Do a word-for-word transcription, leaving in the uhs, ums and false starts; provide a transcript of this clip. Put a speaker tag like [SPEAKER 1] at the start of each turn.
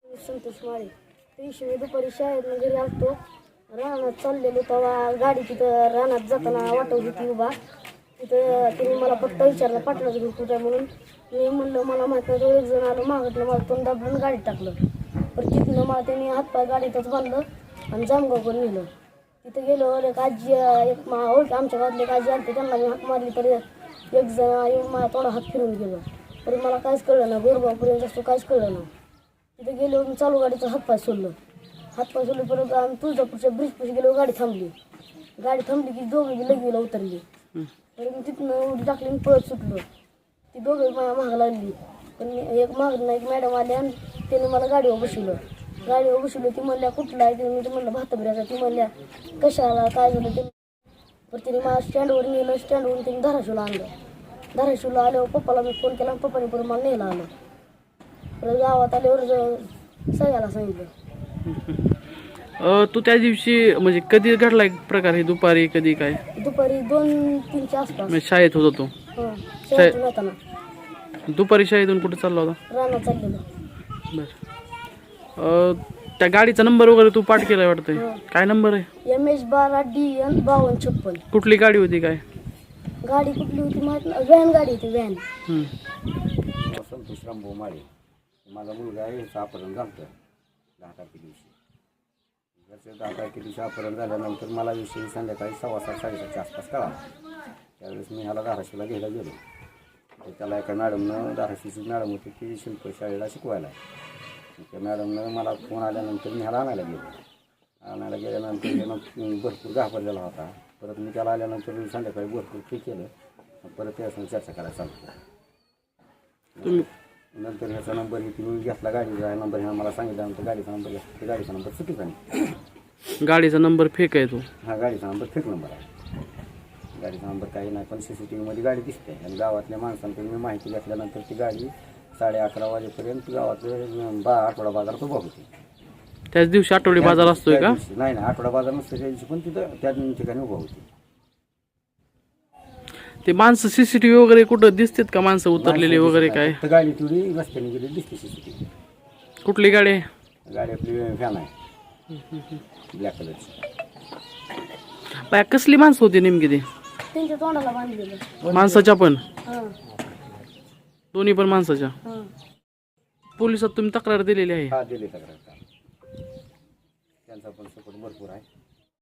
[SPEAKER 1] संतोष माळे. त्या दिवशी मी दुपारी शाळेतनं घरी आलतो, रानात चाललेलो तेव्हा गाडी तिथं रानात जाताना वाटत होती उभा. तिथं तिने मला फक्त विचारलं पाटलाचं घर कुठं आहे म्हणून. मी म्हणलं मला माहीत नाही. तो एक जण आलं मागतलं, मला तोंड दाबलं गाडीत टाकलं. पण तिथनं मला त्यांनी हातपाय गाडीतच बांधलं आणि जामगावकर नेलं. तिथं गेलो, एक आजी एक मा ओळख आमच्या गावातली एक आजी आली, त्यांना मी हात मारली तर एक जण येऊन मला थोडा हात फिरून गेलं. तरी मला काहीच कळलं ना, गोरगावपर्यंत असतो काहीच कळलं ना. तिथे गेलो, मी चालू गाडीचं हातपाय सोडलं. हातपाय सोडलं परत आम्ही तुळजापूरच्या ब्रिजपाशी गेलो, गाडी थांबली. गाडी थांबली की दोघे लगवीला उतरली. तर मी तिथनं उडी टाकली आणि पळत सुटलो. ती दोघे माझ्या महाग लागली. पण मी एक मागणं एक मॅडम आली आणि त्याने मला गाडीवर बसवलं. गाडीवर बसवलं. ती म्हणल्या कुठला आहे ते, मी ते म्हणलं भाताबिऱ्याचा. ती म्हणल्या कशाला काय झालं ते. पण तिने मला स्टँडवर नेलं. स्टँडवरून तिने धाराशिवला आणलं. धाराशिवला आल्यावर पप्पाला मी फोन केला, पप्पाने परत मला नेलं आलं. परत गावात आल्यावर सगळ्याला सांगितलं.
[SPEAKER 2] तू त्या दिवशी म्हणजे कधी घडला एक प्रकार हे, दुपारी कधी काय?
[SPEAKER 1] दुपारी दोन तीनच्या आसपास.
[SPEAKER 2] म्हणजे शाळेत होता तो?
[SPEAKER 1] हां, शाळेतून येताना.
[SPEAKER 2] दुपारी शाळेतून कुठे चालला होता?
[SPEAKER 1] रानात चाललेलो.
[SPEAKER 2] बरं. त्या गाडीचा नंबर वगैरे तू पाठ केलाय वाटतंय? काय नंबर आहे?
[SPEAKER 1] एम एच बारा डी एन बावन्न छप्पन.
[SPEAKER 2] कुठली गाडी होती काय?
[SPEAKER 1] गाडी कुठली होती माहित नाही. व्हॅन गाडी होती, व्हॅन.
[SPEAKER 3] संतोष रामभाऊ माळे. माझा मुलगा आहे, याचं अपहरण झालं दहा तारखे दिवशी. त्याचं दहा तारखे दिवशी अपहरण झाल्यानंतर मला विषयी संध्याकाळी सव्वा सात साडेसातच्या आसपास कळाला. त्यावेळेस मी ह्याला धाराशिवला घ्यायला गेलो. तर त्याला एका मॅडमनं, धाराशिवची मॅडम होती ती शिल्प शाळेला शिकवायला. त्या मॅडमनं मला फोन आल्यानंतर मी ह्याला आणायला गेलो. आणायला गेल्यानंतर त्यानं भरपूर घाबरलेला होता. परत मी त्याला आल्यानंतर संध्याकाळी भरपूर ठीक केलं. परत त्यासंग चर्चा करायला चालू. नंतर ह्याचा नंबर ही तुम्ही घेतला, गाडीचा नंबर ह्या मला सांगितल्यानंतर गाडीचा नंबर घेतला. गाडीचा नंबर चुकीचा नाही.
[SPEAKER 2] गाडीचा नंबर फेक आहे तो?
[SPEAKER 3] हा, गाडीचा नंबर फेक नंबर आहे. गाडीचा नंबर काही नाही, पण सी सी टी व्हीमध्ये गाडी दिसते. आणि गावातल्या माणसांकडून मी माहिती घेतल्यानंतर ती गाडी साडे अकरा वाजेपर्यंत गावातले बा आठवडा बाजारात उभा होती.
[SPEAKER 2] त्याच दिवशी आठवडी बाजार असतोय का?
[SPEAKER 3] नाही नाही, आठवडा बाजार नसतो त्या दिवशी, पण तिथं त्या ठिकाणी उभा होती.
[SPEAKER 2] ते माणसं सीसीटीव्ही वगैरे कुठं दिसतात का? माणसं उतरलेली वगैरे काय?
[SPEAKER 3] गाडी थोडी रस्त्याने गेली दिसते सीसीटीव्ही.
[SPEAKER 2] कुठली गाडी आहे?
[SPEAKER 3] गाडी आपली व्हॅन आहे, ब्लॅक कलरची.
[SPEAKER 2] बाय कसली माणसं होती नेमकी ती?
[SPEAKER 1] त्यांच्या तोंडाला बांधलेलं.
[SPEAKER 2] माणसाच्या पण?
[SPEAKER 1] हां
[SPEAKER 2] दोन्ही पण माणसाच्या?
[SPEAKER 1] हां.
[SPEAKER 2] पोलिसात तुम्ही तक्रार दिलेली आहे?
[SPEAKER 3] हा, दिली तक्रार. त्यांचा पण सपोर्ट भरपूर आहे.